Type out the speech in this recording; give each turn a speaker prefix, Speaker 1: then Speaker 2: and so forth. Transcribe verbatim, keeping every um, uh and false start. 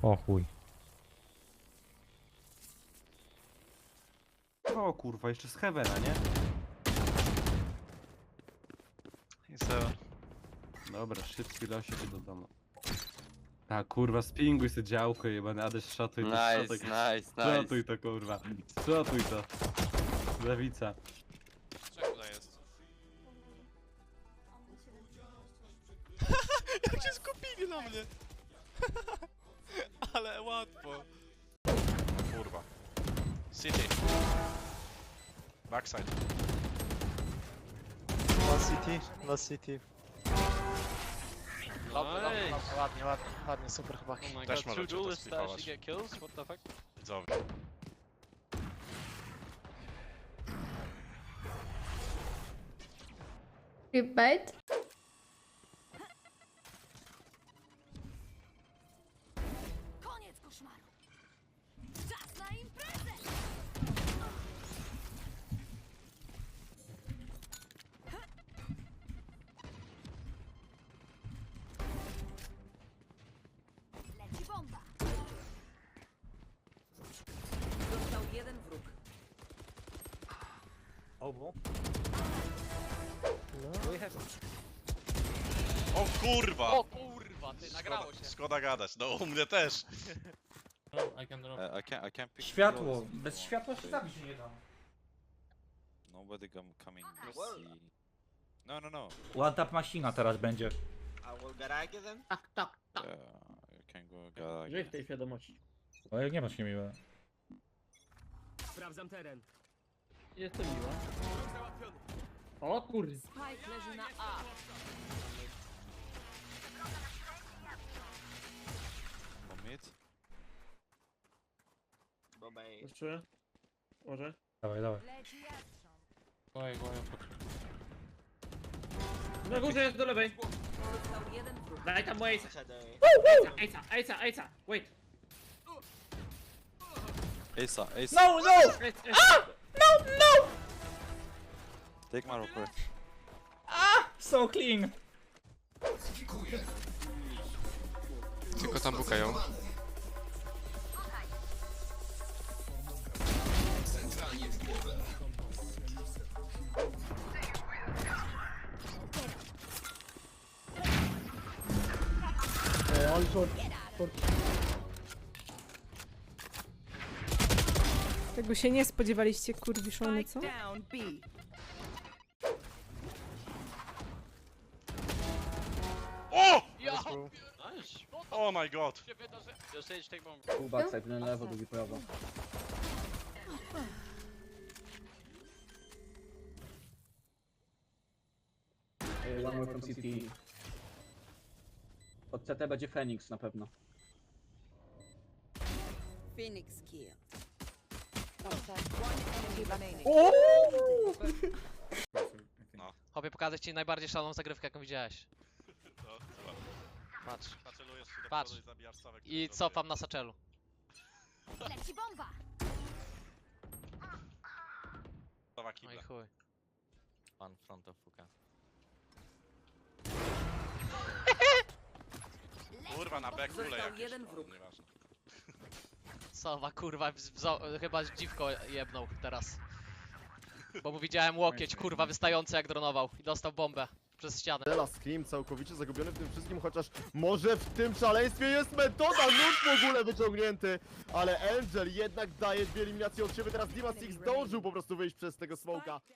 Speaker 1: O chuj.
Speaker 2: O kurwa, jeszcze z Heavena, nie?
Speaker 3: I co?
Speaker 2: Dobra, szybki losiek do domu. A kurwa, spinguj se działko jebany, Ades szatuj to,
Speaker 4: Nice,
Speaker 2: szatuj,
Speaker 4: nice,
Speaker 2: szatuj
Speaker 4: nice.
Speaker 2: to kurwa, szatuj to. Lewica.
Speaker 3: Czego tutaj jest? Jak się skupili na mnie! Ale łatwo. Kurwa. City. Backside.
Speaker 5: Last city, last city.
Speaker 3: Nice.
Speaker 5: Ładnie, ładnie, ładnie, super chłopaki.
Speaker 3: Oh my Też god, two duelists to actually get kills? What the fuck? Widzowie.
Speaker 6: Bait.
Speaker 7: Koniec koszmaru! Czas na imprezę! Leci bomba! Został jeden wróg.
Speaker 3: O kurwa!
Speaker 8: O kurwa, ty, nagrało się.
Speaker 3: Szkoda gadać, no u mnie też.
Speaker 4: Uh, I can't, I can't pick
Speaker 1: Światło.
Speaker 4: kills.
Speaker 1: Bez światła się zabić nie da.
Speaker 4: Nobody come coming to see. No, no, no.
Speaker 1: One tap machina teraz będzie.
Speaker 8: Tak, tak, tak.
Speaker 4: Yeah, you can go garage.
Speaker 8: Żyj w tej świadomości.
Speaker 1: O, jak nie masz niemiłe.
Speaker 8: Sprawdzam teren. Jestem miła. O kurde.
Speaker 7: Spike leży na A.
Speaker 4: For mid.
Speaker 8: Jeszcze? Może?
Speaker 1: Dawaj, dawaj.
Speaker 7: Leci jastrząb.
Speaker 4: Go, go,
Speaker 8: Na górze jest do lewej.
Speaker 7: Został jeden wróg.
Speaker 8: Daj tam mu Ace'a. Ace'a, Ace'a, Ace'a. Wait.
Speaker 4: Asa, Asa.
Speaker 1: No, no!
Speaker 8: Ace, Ace.
Speaker 4: Take my rope.
Speaker 1: So clean!
Speaker 3: Tylko tam bukają.
Speaker 9: Tego się nie spodziewaliście, kurwiszony, co?
Speaker 7: Down B.
Speaker 3: O!
Speaker 8: Ja!
Speaker 3: Oh my god!
Speaker 8: Się wydarzy. Just Sage, take bomb.
Speaker 10: Pół backside, jeden lewo, drugi prawo. Ej, One more from C T. Od C T będzie Phoenix na pewno.
Speaker 7: Phoenix kill. One enemy remaining.
Speaker 8: Chłopie, pokazać ci najbardziej szaloną zagrywkę, jaką widziałeś.
Speaker 3: No, chyba.
Speaker 8: Patrz.
Speaker 3: Nacelujesz się do
Speaker 8: Patrz.
Speaker 3: przodu i zabijasz całe, które
Speaker 8: I
Speaker 3: zrobię.
Speaker 8: cofam na saczelu.
Speaker 7: Leci bomba!
Speaker 3: Cała
Speaker 8: No
Speaker 3: kibla.
Speaker 8: i chuj.
Speaker 4: One front of Fuka.
Speaker 3: Kurwa, na backfule
Speaker 7: Został
Speaker 3: jakieś.
Speaker 7: jeden
Speaker 3: No,
Speaker 7: wróg.
Speaker 3: nieważne.
Speaker 8: Sowa, kurwa, wzo- chyba dziwko jebnął teraz. Bo mu widziałem łokieć, kurwa, wystający jak dronował. I dostał bombę przez ścianę.
Speaker 11: Dela Scream całkowicie zagubiony w tym wszystkim, chociaż może w tym szaleństwie jest metoda, nóż w ogóle wyciągnięty, ale Angel jednak daje dwie eliminacje od siebie, teraz Dima Six zdążył po prostu wyjść przez tego smoka.